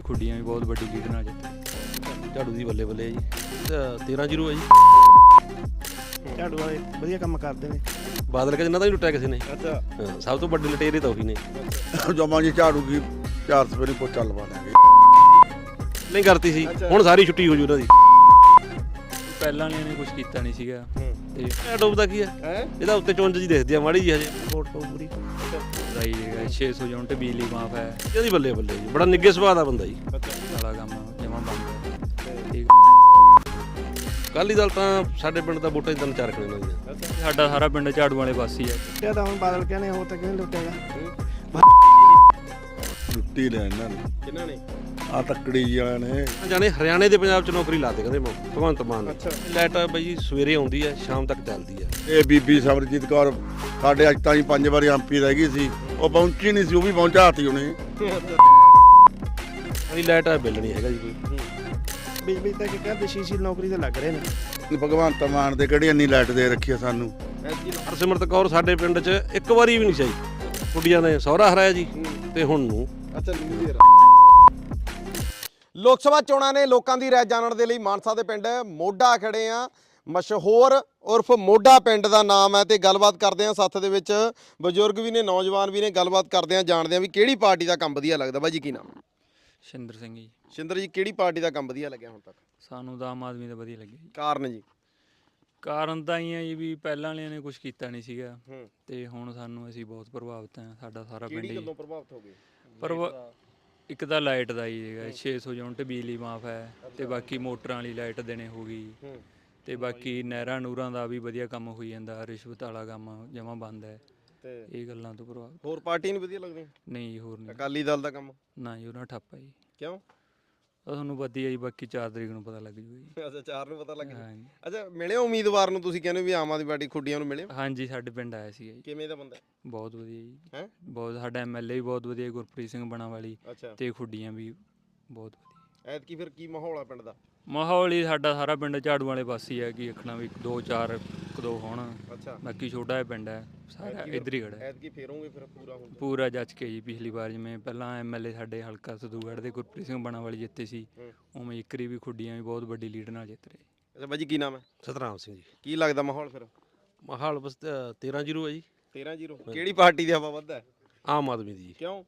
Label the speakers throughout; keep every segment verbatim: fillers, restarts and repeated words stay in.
Speaker 1: ਖੁੱਡੀਆਂ ਵੀ ਬਹੁਤ ਵੱਡੀ ਲੀਡ ਨਾਲ ਜਿੱਤੇ।
Speaker 2: ਝਾੜੂ ਦੀ ਬੱਲੇ ਬੱਲੇ ਜੀ ਤੇਰਾਂ ਜ਼ੀਰੋ ਹੈ ਜੀ।
Speaker 3: ਝਾੜੂ ਵਾਲੇ ਵਧੀਆ ਕੰਮ ਕਰਦੇ ਨੇ।
Speaker 2: ਬਾਦਲ ਕੇ ਜਿੰਨਾ ਤਾਂ ਨਹੀਂ ਲੁੱਟਿਆ ਕਿਸੇ ਨੇ।
Speaker 4: ਅੱਛਾ
Speaker 2: ਹਾਂ, ਸਭ ਤੋਂ ਵੱਡੇ ਲੁਟੇਰੇ ਤਾਂ ਉਹੀ ਨੇ।
Speaker 4: ਜਮਾ ਜੀ ਝਾੜੂ ਕੀ ਚਾਰ ਸਵੇਰੇ ਪੋਚਾ ਲਵਾ ਦਾਂਗੇ।
Speaker 2: ਨਹੀਂ ਕਰਤੀ ਸੀ, ਹੁਣ ਸਾਰੀ ਛੁੱਟੀ ਹੋ ਜੂ ਉਹਨਾਂ ਦੀ।
Speaker 1: ਪਹਿਲਾਂ ਵਾਲਿਆਂ ਨੇ ਕੁਝ ਕੀਤਾ ਨਹੀਂ ਸੀਗਾ ਤੇ
Speaker 2: ਇਹ ਡੁੱਬਦਾ ਕੀ ਹੈ ਇਹਦਾ ਉੱਤੇ ਚੁੰਝ ਜੀ ਦਿਖਦੀ ਆ ਮਾੜੀ ਜੀ ਹਜੇ।
Speaker 3: ਵੋਟ ਪਊ ਪੂਰੀ
Speaker 1: ਰਾਈ ਹੈਗਾ ਛੇ ਸੌ ਯੂਨਿਟ ਬਿਜਲੀ ਮਾਫ ਹੈ।
Speaker 2: ਇਹਦੀ ਬੱਲੇ ਬੱਲੇ ਜੀ, ਬੜਾ ਨਿੱਘੇ ਸੁਭਾਅ ਦਾ ਬੰਦਾ ਜੀ।
Speaker 1: ਸਾਲਾ ਕੰਮ ਜਮਾ ਬੰਦ ਹੈ। ਠੀਕ
Speaker 2: ਅਕਾਲੀ ਦਲ ਤਾਂ ਸਾਡੇ ਪਿੰਡ ਦਾ ਵੋਟਾਂ ਦੀ ਤਿੰਨ ਚਾਰ ਕਣੇ ਨਾਲ ਜੀ।
Speaker 1: ਸਾਡਾ ਸਾਰਾ ਪਿੰਡ ਝਾੜੂ ਵਾਲੇ ਪਾਸੇ ਹੀ ਹੈ।
Speaker 3: ਲੁੱਟਿਆ ਤਾਂ ਹੁਣ ਬਾਦਲ ਕਹਿੰਦੇ ਹੋਰ ਤਾਂ ਕਿਹਨੇ ਲੁੱਟੇਗਾ।
Speaker 4: ਲੁੱਟੀ ਲੈ ਇਹਨਾਂ ਨੇ। ਕਿਹਨਾਂ ਨੇ? ਆ ਤੱਕੜੀ ਜੀ ਵਾਲਿਆਂ ਨੇ।
Speaker 2: ਜਾਣੇ ਹਰਿਆਣੇ ਦੇ ਪੰਜਾਬ ਚ ਨੌਕਰੀ ਲਾਤੇ ਕਹਿੰਦੇ ਭਗਵੰਤ ਮਾਨ ਨੇ। ਲਾਈਟ ਬਈ ਜੀ ਸਵੇਰੇ ਆਉਂਦੀ ਹੈ, ਸ਼ਾਮ ਤੱਕ ਚੱਲਦੀ ਹੈ।
Speaker 4: ਇਹ ਬੀਬੀ ਸਮਰਜੀਤ ਕੌਰ ਸਾਡੇ ਅੱਜ ਤਾਈਂ ਪੰਜ ਵਾਰੀ ਐਮਪੀ ਰਹਿ ਗਈ ਸੀ, ਉਹ ਪਹੁੰਚੀ ਨਹੀਂ ਸੀ, ਉਹ ਵੀ ਪਹੁੰਚਾਤੀ ਉਹਨੇ।
Speaker 2: ਨਹੀਂ ਲਾਈਟ ਬਿੱਲ ਨਹੀਂ ਹੈਗਾ ਜੀ ਕੋਈ।
Speaker 3: ਬਿਜਲੀ ਤੱਕ ਕਹਿੰਦੇ ਸ਼ੀਸ਼ੀ ਨੌਕਰੀ ਤੇ ਲੱਗ ਰਹੇ ਨੇ।
Speaker 4: ਭਗਵੰਤ ਮਾਨ ਦੇ ਕਿਹੜੀ ਇੰਨੀ ਲਾਈਟ ਦੇ ਰੱਖੀ ਆ ਸਾਨੂੰ।
Speaker 2: ਹਰਸਿਮਰਤ ਕੌਰ ਸਾਡੇ ਪਿੰਡ 'ਚ ਇੱਕ ਵਾਰੀ ਵੀ ਨਹੀਂ ਚਾਹੀ। ਕੁੜੀਆਂ ਨੇ ਸਹੁਰਾ ਹਰਾਇਆ ਜੀ ਤੇ ਹੁਣ ਨੂੰ।
Speaker 4: ਅੱਛਾ
Speaker 5: ਲੋਕ ਸਭਾ ਚੋਣਾਂ ਨੇ ਲੋਕਾਂ ਦੀ ਰਾਏ ਜਾਣਨ ਦੇ ਲਈ ਮਾਨਸਾ ਦੇ ਪਿੰਡ ਮੋਢਾ ਖੜੇ ਆ। ਮਸ਼ਹੂਰ ਉਰਫ ਮੋਢਾ ਪਿੰਡ ਦਾ ਨਾਮ ਹੈ ਤੇ ਗੱਲਬਾਤ ਕਰਦੇ ਆ। ਸਾਥ ਦੇ ਵਿੱਚ ਬਜ਼ੁਰਗ ਵੀ ਨੇ, ਨੌਜਵਾਨ ਵੀ ਨੇ। ਗੱਲਬਾਤ ਕਰਦੇ ਆ, ਜਾਣਦੇ ਆ ਵੀ ਕਿਹੜੀ ਪਾਰਟੀ ਦਾ ਕੰਮ ਵਧੀਆ ਲੱਗਦਾ। ਬਾਈ ਜੀ ਕੀ ਨਾਮ?
Speaker 1: ਸ਼ਿੰਦਰ ਸਿੰਘ ਜੀ।
Speaker 5: ਸ਼ਿੰਦਰ ਜੀ, ਕਿਹੜੀ ਪਾਰਟੀ ਦਾ ਕੰਮ ਵਧੀਆ ਲੱਗਿਆ ਹੁਣ ਤੱਕ?
Speaker 1: ਸਾਨੂੰ ਤਾਂ ਆਮ ਆਦਮੀ ਦਾ ਵਧੀਆ ਲੱਗਿਆ ਜੀ।
Speaker 5: ਕਾਰਨ ਜੀ?
Speaker 1: ਕਾਰਨ ਤਾਂ ਹੀ ਹੈ ਜੀ ਵੀ ਪਹਿਲਾਂ ਵਾਲਿਆਂ ਨੇ ਕੁਝ ਕੀਤਾ ਨਹੀਂ ਸੀਗਾ
Speaker 5: ਹੂੰ
Speaker 1: ਤੇ ਹੁਣ ਸਾਨੂੰ ਅਸੀਂ ਬਹੁਤ ਪ੍ਰਭਾਵਿਤ ਹਾਂ। ਸਾਡਾ ਸਾਰਾ ਪਿੰਡ
Speaker 5: ਕਿਹੜੀ
Speaker 1: ਹੀ
Speaker 5: ਗੱਲੋਂ ਪ੍ਰਭਾਵਿਤ ਹੋ ਗਏ?
Speaker 1: ਪਰ ਇੱਕ ਤਾਂ ਲਾਈਟ ਦਾ ਹੀ ਹੈਗਾ ਛੇ ਸੌ ਯੂਨਿਟ ਬਿਜਲੀ ਮਾਫ ਹੈ ਤੇ ਬਾਕੀ ਮੋਟਰਾਂ ਵਾਲੀ ਲਾਈਟ ਦੇਣੇ ਹੋ ਗਈ ਤੇ ਬਾਕੀ ਨਹਿਰਾਂ ਨੂਰਾਂ ਦਾ ਵੀ ਵਧੀਆ ਕੰਮ ਹੋਈ ਜਾਂਦਾ। ਰਿਸ਼ਵਤ ਵਾਲਾ ਕੰਮ ਜਮਾ ਬੰਦ ਹੈ
Speaker 5: ਤੇ
Speaker 1: ਇਹ ਗੱਲਾਂ ਤੋਂ ਪ੍ਰਭਾਵਿਤ।
Speaker 5: ਹੋਰ ਪਾਰਟੀ ਨਹੀਂ ਵਧੀਆ ਲੱਗਦੀ?
Speaker 1: ਨਹੀਂ ਜੀ, ਹੋਰ ਨਹੀਂ।
Speaker 5: ਅਕਾਲੀ ਦਲ ਦਾ ਕੰਮ?
Speaker 1: ਨਾ ਜੀ, ਉਹਨਾਂ ਠੱਪ ਹੈ ਜੀ।
Speaker 5: ਕਿਉਂ?
Speaker 1: ਉਹ ਤੁਹਾਨੂੰ ਵਧੀਆ ਜੀ, ਬਾਕੀ ਚਾਰ ਤਰੀਕ ਨੂੰ ਪਤਾ ਲੱਗ ਜੂਗਾ ਜੀ।
Speaker 5: ਅੱਛਾ, ਚਾਰ ਨੂੰ ਪਤਾ ਲੱਗ ਗਿਆ।
Speaker 1: ਹਾਂਜੀ
Speaker 5: ਅੱਛਾ, ਮਿਲੇ ਉਮੀਦਵਾਰ ਨੂੰ? ਤੁਸੀਂ ਕਹਿੰਦੇ ਵੀ ਆਮ ਆਦਮੀ ਪਾਰਟੀ ਖੁੱਡੀਆਂ ਨੂੰ ਮਿਲੇ?
Speaker 1: ਹਾਂਜੀ, ਸਾਡੇ ਪਿੰਡ ਆਇਆ ਸੀਗਾ ਜੀ।
Speaker 5: ਕਿਵੇਂ ਦਾ ਬੰਦਾ?
Speaker 1: ਬਹੁਤ ਵਧੀਆ ਜੀ।
Speaker 5: ਹੈ
Speaker 1: ਬਹੁਤ ਸਾਡਾ ਐਮਐਲਏ ਵੀ ਬਹੁਤ ਵਧੀਆ, ਗੁਰਪ੍ਰੀਤ ਸਿੰਘ ਬਣਾਵਾਲੀ।
Speaker 5: ਅੱਛਾ,
Speaker 1: ਤੇ ਖੁੱਡੀਆਂ ਵੀ ਬਹੁਤ ਵਧੀਆ।
Speaker 5: ਐਤਕੀ ਫਿਰ ਕੀ ਮਾਹੌਲ ਆ ਪਿੰਡ ਦਾ?
Speaker 1: ਮਾਹੌਲ ਹੀ ਸਾਡਾ ਸਾਰਾ ਪਿੰਡ ਝਾੜੂ ਵਾਲੇ ਪਾਸੇ ਹੀ ਹੈ ਕਿ ਆਖਣਾ ਵੀ ਦੋ ਚਾਰ ਇੱਕ ਦੋ ਹੋਣ।
Speaker 5: ਅੱਛਾ,
Speaker 1: ਬਾਕੀ ਛੋਟਾ ਜਿਹਾ ਪਿੰਡ ਹੈ, ਸਾਰਾ ਇੱਧਰ ਹੀ ਖੜਾ ਹੈ।
Speaker 5: ਐਤਕੀ ਫੇਰੋਂਗੇ ਫਿਰ ਪੂਰਾ ਹੁਣ?
Speaker 1: ਪੂਰਾ ਜੱਜ ਕੇ ਜੀ। ਪਿਛਲੀ ਵਾਰ ਜਿਵੇਂ ਪਹਿਲਾਂ ਐਮਐਲਏ ਸਾਡੇ ਹਲਕਾ ਸਦੂਗੜ੍ਹ ਦੇ ਗੁਰਪ੍ਰੀਤ ਸਿੰਘ ਬਣਾਵਾਲੀ ਜਿੱਤੇ ਸੀ, ਉਵੇਂ ਇੱਕਰੀ ਵੀ ਖੁੱਡੀਆਂ ਵੀ ਬਹੁਤ ਵੱਡੀ ਲੀਡ ਨਾਲ ਜਿੱਤ ਰਹੇ।
Speaker 5: ਅੱਛਾ ਬਾਈ ਜੀ, ਕੀ ਨਾਮ ਹੈ?
Speaker 2: ਸਤਨਾਮ ਸਿੰਘ ਜੀ।
Speaker 5: ਕੀ ਲੱਗਦਾ ਮਾਹੌਲ ਫਿਰ?
Speaker 2: ਮਾਹੌਲ ਬਸ ਤੇਰਾਂ ਜ਼ੀਰੋ ਹੈ ਜੀ।
Speaker 5: ਤੇਰਾਂ ਜ਼ੀਰੋ? ਕਿਹੜੀ ਪਾਰਟੀ ਦੀ ਹਵਾ ਵੱਧ ਹੈ?
Speaker 2: ਆਮ ਆਦਮੀ ਦੀ ਜੀ।
Speaker 5: ਕਿਉਂ?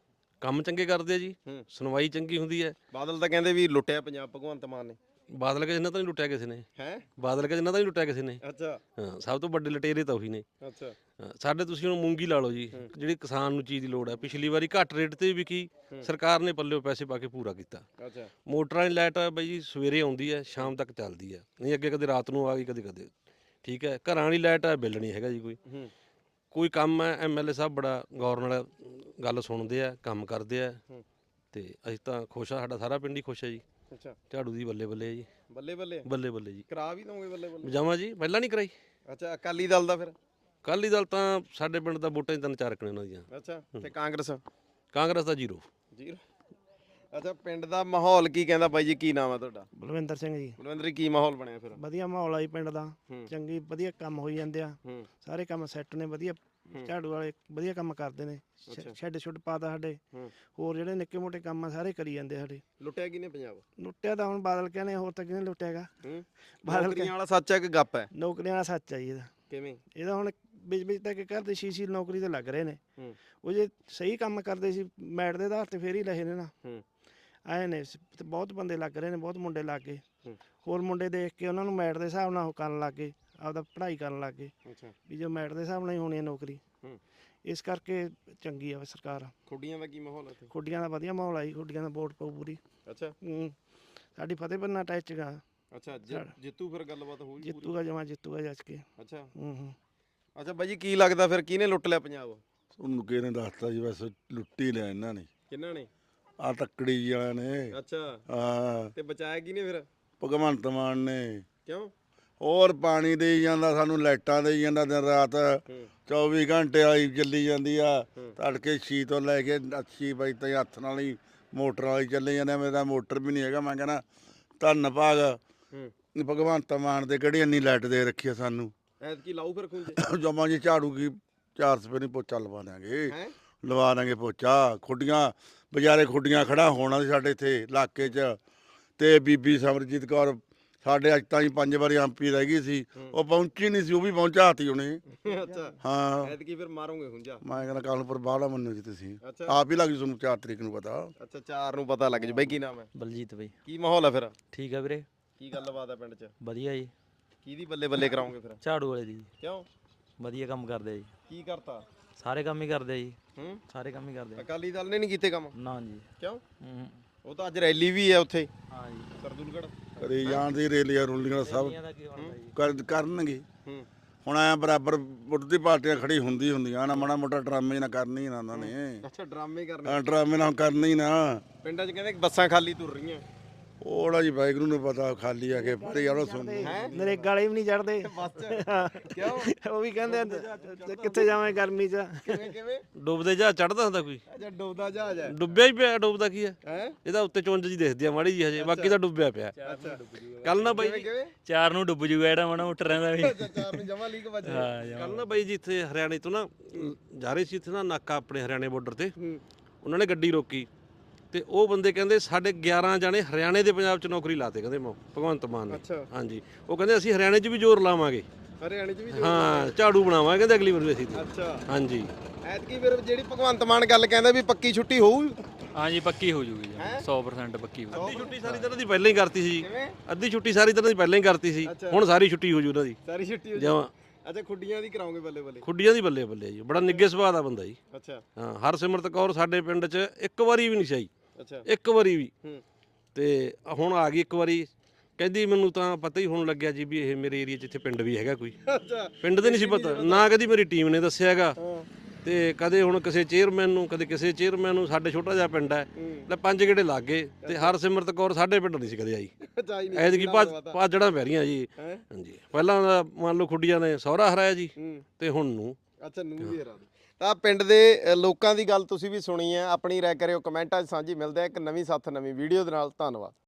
Speaker 2: ਕੰਮ ਚੰਗੇ ਕਰਦੇ ਆ ਜੀ,
Speaker 5: ਹੂੰ।
Speaker 2: ਸੁਣਵਾਈ ਚੰਗੀ ਹੁੰਦੀ ਹੈ।
Speaker 5: ਬਾਦਲ ਤਾਂ ਕਹਿੰਦੇ ਵੀ ਲੁੱਟਿਆ ਪੰਜਾਬ ਭਗਵੰਤ ਮਾਨ ਨੇ।
Speaker 2: ਬਾਦਲ ਕੇ ਜਿੰਨਾ ਤਾਂ ਨਹੀਂ ਲੁੱਟਿਆ ਕਿਸੇ ਨੇ।
Speaker 5: ਹੈ
Speaker 2: ਬਾਦਲ ਕੇ ਜਿੰਨਾ ਤਾਂ ਨਹੀਂ ਲੁੱਟਿਆ ਕਿਸੇ ਨੇ।
Speaker 5: ਅੱਛਾ
Speaker 2: ਹਾਂ, ਸਭ ਤੋਂ ਵੱਡੇ ਲੁਟੇਰੇ ਤਾਂ ਉਹੀ ਨੇ।
Speaker 5: ਅੱਛਾ
Speaker 2: ਹਾਂ, ਸਾਡੇ ਤੁਸੀਂ ਹੁਣ ਮੂੰਗੀ ਲਾ ਲਓ ਜੀ, ਜਿਹੜੀ ਕਿਸਾਨ ਨੂੰ ਚੀਜ਼ ਦੀ ਲੋੜ ਹੈ। ਪਿਛਲੀ ਵਾਰੀ ਘੱਟ ਰੇਟ ਤੇ ਵਿਕੀ, ਸਰਕਾਰ ਨੇ ਪੱਲਿਓ ਪੈਸੇ ਪਾ ਕੇ ਪੂਰਾ ਕੀਤਾ।
Speaker 5: ਅੱਛਾ
Speaker 2: ਮੋਟਰਾਂ ਦੀ ਲਾਈਟ ਬਈ ਜੀ ਸਵੇਰੇ ਆਉਂਦੀ ਹੈ, ਸ਼ਾਮ ਤੱਕ ਚੱਲਦੀ ਹੈ। ਨਹੀਂ ਅੱਗੇ ਕਦੇ ਰਾਤ ਨੂੰ ਆ ਗਈ, ਕਦੇ ਕਦੇ। ਠੀਕ ਹੈ, ਘਰਾਂ ਵਾਲੀ ਲਾਈਟ ਹੈ, ਬਿੱਲ ਨਹੀਂ ਹੈਗਾ ਜੀ ਕੋਈ।
Speaker 5: ਹੂੰ
Speaker 2: ਕੋਈ ਕੰਮ ਹੈ, ਐਮਐਲਏ ਸਾਹਿਬ ਬੜਾ ਗੌਰ ਨਾਲ ਗੱਲ ਸੁਣਦੇ ਆ, ਕੰਮ ਕਰਦੇ ਆ ਤੇ ਅਸੀਂ ਤਾਂ ਖੁਸ਼ ਆ। ਸਾਡਾ ਸਾਰਾ ਪਿੰਡ ਹੀ ਖੁਸ਼ ਹੈ ਜੀ।
Speaker 5: ਅੱਛਾ,
Speaker 2: ਝਾੜੂ ਦੀ ਬੱਲੇ ਬੱਲੇ ਜੀ।
Speaker 5: ਬੱਲੇ ਬੱਲੇ
Speaker 2: ਬੱਲੇ ਬੱਲੇ ਜੀ।
Speaker 5: ਕਰਾ ਵੀ ਦੋਗੇ? ਬੱਲੇ ਬੱਲੇ
Speaker 2: ਜਾਵਾਂ ਜੀ, ਪਹਿਲਾਂ ਨਹੀਂ ਕਰਾਈ।
Speaker 5: ਅੱਛਾ, ਅਕਾਲੀ ਦਲ ਦਾ ਫਿਰ?
Speaker 2: ਅਕਾਲੀ ਦਲ ਤਾਂ ਸਾਡੇ ਪਿੰਡ ਦਾ ਵੋਟਾਂ ਦੀ ਤਿੰਨ ਚਾਰ ਕਣੇ ਉਹਨਾਂ ਦੀਆਂ।
Speaker 5: ਅੱਛਾ, ਤੇ ਕਾਂਗਰਸ?
Speaker 2: ਕਾਂਗਰਸ ਦਾ ਜ਼ੀਰੋ।
Speaker 5: ਜ਼ੀਰੋ? ਅੱਛਾ, ਪਿੰਡ ਦਾ ਮਾਹੌਲ ਕੀ ਕਹਿੰਦਾ? ਬਾਈ ਜੀ ਕੀ ਨਾਮ ਹੈ ਤੁਹਾਡਾ?
Speaker 3: ਬਲਵਿੰਦਰ ਸਿੰਘ ਜੀ।
Speaker 5: ਬਲਵਿੰਦਰ ਜੀ, ਕੀ ਮਾਹੌਲ ਬਣਿਆ ਫਿਰ?
Speaker 3: ਵਧੀਆ ਮਾਹੌਲ ਆ ਜੀ ਪਿੰਡ ਦਾ।
Speaker 5: ਹੂੰ।
Speaker 3: ਚੰਗੀ ਵਧੀਆ ਕੰਮ ਹੋਈ ਜਾਂਦੇ ਆ।
Speaker 5: ਹੂੰ
Speaker 3: ਸਾਰੇ ਕੰਮ ਸੈੱਟ ਨੇ ਵਧੀਆ। ਝਾੜੂ ਵਾਲੇ ਵਧੀਆ ਕੰਮ ਕਰਦੇ ਨੇ।
Speaker 5: ਅੱਛਾ।
Speaker 3: ਸ਼ੈੱਡ ਸ਼ੁੱਡ ਪਾਤਾ ਸਾਡੇ।
Speaker 5: ਹੂੰ।
Speaker 3: ਹੋਰ ਜਿਹੜੇ ਨਿੱਕੇ ਮੋਟੇ ਕੰਮ ਆ ਸਾਰੇ ਕਰੀ ਜਾਂਦੇ ਸਾਡੇ।
Speaker 5: ਲੁੱਟਿਆ ਕਿਹਨੇ ਪੰਜਾਬ?
Speaker 3: ਲੁੱਟਿਆ ਤਾਂ ਹੁਣ ਬਾਦਲ ਕਹਿੰਦੇ ਹੋਰ ਤਾਂ ਕਿਹਨੇ ਲੁੱਟਿਆਗਾ।
Speaker 5: ਹੂੰ
Speaker 3: ਬਾਦਲ
Speaker 5: ਨੌਕਰੀਆਂ ਵਾਲਾ ਸੱਚ ਹੈ ਕਿ ਗੱਪ ਹੈ?
Speaker 3: ਨੌਕਰੀਆਂ ਵਾਲਾ ਸੱਚ ਆ ਜੀ ਇਹਦਾ।
Speaker 5: ਕਿਵੇਂ?
Speaker 3: ਇਹਦਾ ਹੁਣ ਵਿੱਚ ਵਿੱਚ ਤੱਕ ਕਰਦੇ ਸ਼ੀਸ਼ੀ ਨੌਕਰੀ ਤੇ ਲੱਗ ਰਹੇ ਨੇ।
Speaker 5: ਹੂੰ
Speaker 3: ਉਹ ਜੇ ਸਹੀ ਕੰਮ ਕਰਦੇ ਸੀ ਮੈਟ ਦੇ ਆਧਾਰ ਤੇ ਫੇਰ ਹੀ ਲਹੇ ਨੇ ਨਾ।
Speaker 5: ਹੂੰ
Speaker 3: ਆਏ ਨੇ ਤੇ ਬਹੁਤ ਬੰਦੇ ਲੱਗ ਰਹੇ ਨੇ, ਬਹੁਤ ਮੁੰਡੇ ਲੱਗ ਗਏ।
Speaker 5: ਹੂੰ।
Speaker 3: ਹੋਰ ਮੁੰਡੇ ਦੇਖ ਕੇ ਉਹਨਾਂ ਨੂੰ ਮੈਟ ਦੇ ਹਿਸਾਬ ਨਾਲ ਉਹ ਕਰਨ ਲੱਗ ਗਏ, ਆਪਦਾ ਪੜ੍ਹਾਈ ਕਰਨ ਲੱਗ ਗਏ
Speaker 5: ਅੱਛਾ
Speaker 3: ਵੀ ਜੋ ਮੈਟ ਦੇ ਹਿਸਾਬ ਨਾਲ ਹੀ ਹੋਣੀ ਹੈ ਨੌਕਰੀ।
Speaker 5: ਹੂੰ।
Speaker 3: ਇਸ ਕਰਕੇ ਚੰਗੀ ਆ ਸਰਕਾਰ।
Speaker 5: ਖੁੱਡੀਆਂ ਦਾ ਕੀ ਮਾਹੌਲ ਹੈ ਇੱਥੇ?
Speaker 3: ਖੁੱਡੀਆਂ ਦਾ ਵਧੀਆ ਮਾਹੌਲ ਆਈ। ਖੁੱਡੀਆਂ ਦਾ ਵੋਟ ਪਊ ਪੂਰੀ।
Speaker 5: ਅੱਛਾ
Speaker 3: ਹੂੰ। ਸਾਡੀ ਫਤਿਹ ਬੰਨਾ ਟੈਚ ਗਾ।
Speaker 5: ਅੱਛਾ, ਜਿ- ਜਿੱਤੂ ਫਿਰ ਗੱਲਬਾਤ ਹੋਊਗੀ ਪੂਰੀ?
Speaker 3: ਜਿੱਤੂਗਾ, ਜਮਾ ਜਿੱਤੂਗਾ ਜੱਜ ਕੇ।
Speaker 5: ਅੱਛਾ
Speaker 3: ਹੂੰ ਹੂੰ।
Speaker 5: ਅੱਛਾ ਬਾਈ ਜੀ, ਕੀ ਲੱਗਦਾ ਫਿਰ ਕਿਹਨੇ ਲੁੱਟ ਲਿਆ ਪੰਜਾਬ?
Speaker 4: ਉਹਨੂੰ ਕਿਹਨੇ ਦੱਸਤਾ ਜੀ, ਵੈਸੇ ਲੁੱਟੀ ਲਿਆ ਇਹਨਾਂ ਨੇ।
Speaker 5: ਕਿਹਨਾਂ ਨੇ?
Speaker 4: ਆ ਤੱਕੜੀ ਜੀ ਵਾਲਿਆਂ ਨੇ।
Speaker 5: ਅੱਛਾ,
Speaker 4: ਹਾਂ,
Speaker 5: ਤੇ ਬਚਾਇਆ ਕਿਹਨੇ ਫਿਰ?
Speaker 4: ਭਗਵੰਤ ਮਾਨ ਨੇ।
Speaker 5: ਕਿਉਂ?
Speaker 4: ਹੋਰ ਪਾਣੀ ਦੇਈ ਜਾਂਦਾ ਸਾਨੂੰ, ਲਾਈਟਾਂ ਦੇਈ ਜਾਂਦਾ ਦਿਨ ਰਾਤ।
Speaker 5: ਹੂੰ
Speaker 4: ਚੌਵੀ ਘੰਟੇ ਆਈ ਚੱਲੀ ਜਾਂਦੀ ਆ।
Speaker 5: ਹੂੰ।
Speaker 4: ਤੜਕੇ ਛੇ ਤੋਂ ਲੈ ਕੇ ਅੱਸੀ ਵਜੇ ਤਾਈਂ ਹੱਥ ਨਾਲ ਹੀ ਮੋਟਰ ਵਾਲੀ ਚੱਲੀ ਜਾਂਦੇ। ਮੇਰਾ ਮੋਟਰ ਵੀ ਨਹੀਂ ਹੈਗਾ। ਮੈਂ ਕਹਿੰਦਾ ਧੰਨ ਭਾਗ
Speaker 5: ਹੂੰ
Speaker 4: ਭਗਵੰਤ ਮਾਨ ਦੇ ਕਿਹੜੀ ਇੰਨੀ ਲਾਈਟ ਦੇ ਰੱਖੀ ਆ ਸਾਨੂੰ।
Speaker 5: ਐਤਕੀ ਲਾਊ ਫਿਰ ਖੁੰਝੇ?
Speaker 4: ਜਮਾ ਜੀ ਝਾੜੂ ਕੀ ਚਾਰ ਸਵੇਰੇ ਪੋਚਾ ਲਵਾ ਦਾਂਗੇ।
Speaker 5: ਹੈ
Speaker 4: ਲਵਾ ਦਾਂਗੇ ਪੋਚਾ। ਖੁੱਡੀਆਂ ਵਿਚਾਰੇ ਖੁੱਡੀਆਂ ਖੜਾ ਹੋਣਾ ਸੀ ਸਾਡੇ ਇੱਥੇ ਇਲਾਕੇ 'ਚ। ਤੇ ਬੀਬੀ ਸਮਰਜੀਤ ਕੌਰ ਸਾਡੇ ਅੱਜ ਤਾਈਂ ਪੰਜ ਵਾਰੀ ਐਮ ਪੀ ਰਹਿ ਗਈ ਸੀ, ਉਹ ਪਹੁੰਚੀ ਨਹੀਂ ਸੀ, ਉਹ ਵੀ ਪਹੁੰਚਾਤੀ ਉਹਨੇ।
Speaker 5: ਅੱਛਾ
Speaker 4: ਹਾਂ
Speaker 5: ਐਤਕੀ ਫਿਰ ਮਾਰੋਗੇ ਹੁੰਜਾ।
Speaker 4: ਮੈਂ ਕਹਿੰਦਾ ਕਾਨੂੰਪੁਰ ਬਾਹਲਾ ਮੰਨੋ ਜੀ ਤੁਸੀਂ,
Speaker 5: ਅੱਛਾ।
Speaker 4: ਆਪ ਹੀ ਲੱਗ ਜੂ ਤੁਹਾਨੂੰ ਚਾਰ ਤਰੀਕ ਨੂੰ ਪਤਾ।
Speaker 5: ਅੱਛਾ ਚਾਰ ਨੂੰ ਪਤਾ ਲੱਗ ਜੂ। ਬਾਈ ਕੀ ਨਾਮ ਹੈ?
Speaker 6: ਬਲਜੀਤ ਬਈ।
Speaker 5: ਕੀ ਮਾਹੌਲ ਹੈ ਫਿਰ?
Speaker 6: ਠੀਕ ਆ ਵੀਰੇ,
Speaker 5: ਕੀ ਗੱਲਬਾਤ ਹੈ ਪਿੰਡ 'ਚ?
Speaker 6: ਵਧੀਆ ਜੀ।
Speaker 5: ਕਿਹਦੀ ਬੱਲੇ ਬੱਲੇ ਕਰਾਉਂਗੇ ਫਿਰ?
Speaker 6: ਝਾੜੂ ਵਾਲੇ ਦੀ ਜੀ।
Speaker 5: ਕਿਉਂ?
Speaker 6: ਵਧੀਆ ਕੰਮ ਕਰਦੇ ਆ ਜੀ,
Speaker 5: ਕੀ ਕਰਤਾ?
Speaker 6: ਸਾਰੇ ਕੰਮ ਹੀ ਕਰਦੇ ਆ ਜੀ,
Speaker 5: ਹੂੰ
Speaker 6: ਸਾਰੇ ਕੰਮ ਹੀ ਕਰਦੇ ਆ।
Speaker 5: ਅਕਾਲੀ ਦਲ ਨੇ ਨਹੀਂ ਕੀਤੇ ਕੰਮ?
Speaker 6: ਨਾ ਜੀ।
Speaker 5: ਕਿਉਂ?
Speaker 6: ਹੂੰ।
Speaker 5: ਉਹ ਤਾਂ ਅੱਜ ਰੈਲੀ ਵੀ ਹੈ ਉੱਥੇ
Speaker 6: ਹਾਂ ਜੀ।
Speaker 5: ਸਰਦੂਲਗੜ੍ਹ।
Speaker 4: ਕਰੀ ਜਾਣ ਦੀ ਰੇਲੀਆਂ ਰੂਲੀਆਂ ਸਭ
Speaker 6: ਰੈਲੀਆਂ ਦਾ ਕੀ ਬਣਦਾ ਜੀ?
Speaker 4: ਕਰ- ਕਰਨਗੇ।
Speaker 5: ਹੂੰ
Speaker 4: ਹੁਣ ਐ ਬਰਾਬਰ ਵਿਰੋਧੀ ਪਾਰਟੀਆਂ ਖੜੀ ਹੁੰਦੀ ਹੁੰਦੀਆਂ ਨਾ, ਮਾੜਾ ਮੋਟਾ ਡਰਾਮੇ ਨਾ ਕਰਨੀ ਨਾ ਉਹਨਾਂ ਨੇ।
Speaker 5: ਅੱਛਾ ਡਰਾਮੇ ਕਰਨੇ
Speaker 4: ਐਂ ਡਰਾਮੇ ਨਾ ਕਰਨੀ ਨਾ।
Speaker 5: ਪਿੰਡਾਂ 'ਚ ਕਹਿੰਦੇ ਬੱਸਾਂ ਖਾਲੀ ਤੁਰ ਰਹੀਆਂ।
Speaker 4: ਉਹੜਾ ਜੀ ਵਾਹਿਗੁਰੂ ਨੂੰ ਪਤਾ, ਖਾਲੀ ਆ ਕੇ ਪਰ ਯਾਰ ਉਹ ਸੁਣ
Speaker 3: ਨਰੇਗਾ ਵਾਲੇ ਵੀ ਨਹੀਂ ਚੜਦੇ।
Speaker 5: ਬੱਸ 'ਚ ਕਿਉਂ?
Speaker 3: ਉਹ ਵੀ ਕਹਿੰਦੇ ਆ, ਕਿੱਥੇ ਜਾਵੇਂ ਗਰਮੀ 'ਚ।
Speaker 5: ਕਿਵੇਂ ਕਿਵੇਂ?
Speaker 2: ਡੁੱਬਦੇ ਜਹਾਜ਼ ਚੜਦਾ ਹੁੰਦਾ ਕੋਈ?
Speaker 5: ਅੱਛਾ ਡੋਬਦਾ ਜਹਾਜ਼ ਹੈ।
Speaker 2: ਡੁੱਬਿਆ ਹੀ ਪਿਆ, ਡੁੱਬਦਾ ਕੀ ਹੈ?
Speaker 5: ਹੈ
Speaker 2: ਇਹਦਾ ਉੱਤੇ ਚੁੰਝ ਜੀ ਦਿਖਦੀ ਆ ਮਾੜੀ ਜੀ ਹਜੇ, ਬਾਕੀ ਤਾਂ ਡੁੱਬਿਆ ਪਿਆ।
Speaker 5: ਅੱਛਾ
Speaker 2: ਕੱਲ ਨਾ ਬਾਈ
Speaker 5: ਕਿਵੇਂ ਕਿਵੇਂ?
Speaker 1: ਚਾਰ ਨੂੰ ਡੁੱਬ ਜੂਗਾ ਜਿਹੜਾ ਮਾੜਾ ਮੋਟਾ ਰਹਿੰਦਾ ਵੀ।
Speaker 5: ਅੱਛਾ ਚਾਰ ਨੂੰ ਜਮਾ ਲੀਕ ਵੱਜ
Speaker 1: ਹਾਂ
Speaker 2: ਕੱਲ ਨਾ ਬਾਈ ਜੀ ਇੱਥੇ ਹਰਿਆਣੇ ਤੋਂ ਨਾ ਜਾ ਰਹੇ ਸੀ, ਇੱਥੇ ਨਾ ਨਾਕਾ ਆਪਣੇ ਹਰਿਆਣੇ ਬਾਰਡਰ ਤੇ, ਉਹਨਾਂ ਨੇ ਗੱਡੀ ਰੋਕੀ ਤੇ ਉਹ ਬੰਦੇ ਕਹਿੰਦੇ ਸਾਡੇ ਗਿਆਰਾਂ ਜਾਣੇ ਹਰਿਆਣੇ ਦੇ ਪੰਜਾਬ 'ਚ ਨੌਕਰੀ ਲਾਤੇ, ਕਹਿੰਦੇ ਮ- ਭਗਵੰਤ ਮਾਨ ਨੇ।
Speaker 5: ਅੱਛਾ
Speaker 2: ਹਾਂਜੀ, ਉਹ ਕਹਿੰਦੇ ਅਸੀਂ ਹਰਿਆਣੇ 'ਚ ਵੀ ਜ਼ੋਰ ਲਾਵਾਂਗੇ,
Speaker 5: ਹਰਿਆਣੇ 'ਚ ਵੀ
Speaker 2: ਹਾਂ ਝਾੜੂ ਬਣਾਵਾਂਗੇ ਕਹਿੰਦੇ ਅਗਲੀ ਵਾਰ ਵੀ ਅਸੀਂ।
Speaker 5: ਅੱਛਾ
Speaker 2: ਹਾਂਜੀ
Speaker 5: ਐਤਕੀ ਫਿਰ ਜਿਹੜੀ ਭਗਵੰਤ ਮਾਨ ਗੱਲ ਕਹਿੰਦਾ ਵੀ ਪੱਕੀ ਛੁੱਟੀ ਹੋਊ।
Speaker 1: ਹਾਂਜੀ ਪੱਕੀ ਹੋ ਜੂਗੀ ਜੀ, ਸੌ ਪ੍ਰਸੈਂਟ ਪੱਕੀ ਹੋ
Speaker 2: ਅੱਧੀ ਛੁੱਟੀ ਸਾਰੀ ਤਰ੍ਹਾਂ ਦੀ ਪਹਿਲਾਂ ਹੀ ਕਰਤੀ ਸੀ,
Speaker 5: ਕਿਵੇਂ?
Speaker 2: ਅੱਧੀ ਛੁੱਟੀ ਸਾਰੀ ਤਰ੍ਹਾਂ ਦੀ ਪਹਿਲਾਂ ਹੀ ਕਰਤੀ ਸੀ,
Speaker 5: ਅੱਛਾ।
Speaker 2: ਹੁਣ ਸਾਰੀ ਛੁੱਟੀ ਹੋ ਜੂ ਉਹਨਾਂ ਦੀ
Speaker 5: ਸਾਰੀ ਛੁੱਟੀ ਹੋ ਜਾਊ।
Speaker 2: ਜਮਾਂ
Speaker 5: ਅੱਛਾ ਖੁੱਡੀਆਂ ਦੀ ਕਰਾਉਂਗੇ ਬੱਲੇ ਬੱਲੇ।
Speaker 2: ਖੁੱਡੀਆਂ ਦੀ ਬੱਲੇ ਬੱਲੇ ਜੀ, ਬੜਾ ਨਿੱਘੇ ਸੁਭਾਅ ਦਾ ਬੰਦਾ ਜੀ।
Speaker 5: ਅੱਛਾ
Speaker 2: ਹਾਂ ਹਰਸਿਮਰਤ ਕੌਰ ਸਾਡੇ ਪਿੰਡ 'ਚ ਇੱਕ ਵਾਰੀ ਵੀ ਨਹੀਂ ਸੀ ਆਈ,
Speaker 5: ਅੱਛਾ
Speaker 2: ਇੱਕ ਵਾਰੀ ਵੀ।
Speaker 5: ਹੂੰ
Speaker 2: ਤੇ ਹੁਣ ਆ ਗਈ ਇੱਕ ਵਾਰੀ, ਕਹਿੰਦੀ ਮੈਨੂੰ ਤਾਂ ਪਤਾ ਹੀ ਹੋਣ ਲੱਗਿਆ ਜੀ ਵੀ ਇਹ ਮੇਰੇ ਏਰੀਆ 'ਚ ਇੱਥੇ ਪਿੰਡ ਵੀ ਹੈਗਾ ਕੋਈ।
Speaker 5: ਅੱਛਾ
Speaker 2: ਪਿੰਡ ਦੇ ਨਹੀਂ ਸੀ ਪਤਾ, ਨਾ ਕਦੀ ਮੇਰੀ ਟੀਮ ਨੇ ਦੱਸਿਆ ਹੈਗਾ।
Speaker 5: ਹਾਂ
Speaker 2: ਤੇ ਕਦੇ ਹੁਣ ਕਿਸੇ ਚੇਅਰਮੈਨ ਨੂੰ, ਕਦੇ ਕਿਸੇ ਚੇਅਰਮੈਨ ਨੂੰ। ਸਾਡੇ ਛੋਟਾ ਜਿਹਾ ਪਿੰਡ ਹੈ,
Speaker 5: ਹੂੰ
Speaker 2: ਲੈ ਪੰਜ ਗੇੜੇ ਲੱਗ ਗਏ ਤੇ ਹਰਸਿਮਰਤ ਕੌਰ ਸਾਡੇ ਪਿੰਡ ਨਹੀਂ ਸੀ ਕਦੇ ਆਈ।
Speaker 5: ਚਾਈ ਨਹੀਂ
Speaker 2: ਐਤਕੀ ਭਾਜੜਾਂ ਪੈ ਰਹੀਆਂ ਜੀ।
Speaker 5: ਹੈ।
Speaker 2: ਹਾਂਜੀ ਪਹਿਲਾਂ ਦਾ ਮੰਨ ਲਓ ਖੁੱਡੀਆਂ ਨੇ ਸਹੁਰਾ ਹਰਾਇਆ ਜੀ,
Speaker 5: ਹੂੰ
Speaker 2: ਤੇ ਹੁਣ ਨੂੰ।
Speaker 5: ਅੱਛਾ ਨੂੰ ਵੀ ਹਰਾ ਦੇ। ਤਾਂ ਪਿੰਡ ਦੇ ਅ, ਲੋਕਾਂ ਦੀ ਗੱਲ ਤੁਸੀਂ ਵੀ ਸੁਣੀ ਹੈ, ਆਪਣੀ ਰਾਏ ਕਰਿਓ ਕਮੈਂਟਾਂ 'ਚ ਸਾਂਝੀ। ਮਿਲਦੇ ਆ ਇੱਕ ਨਵੀਂ ਸਾਥ ਨਵੀਂ ਵੀਡੀਓ ਦੇ ਨਾਲ। ਧੰਨਵਾਦ।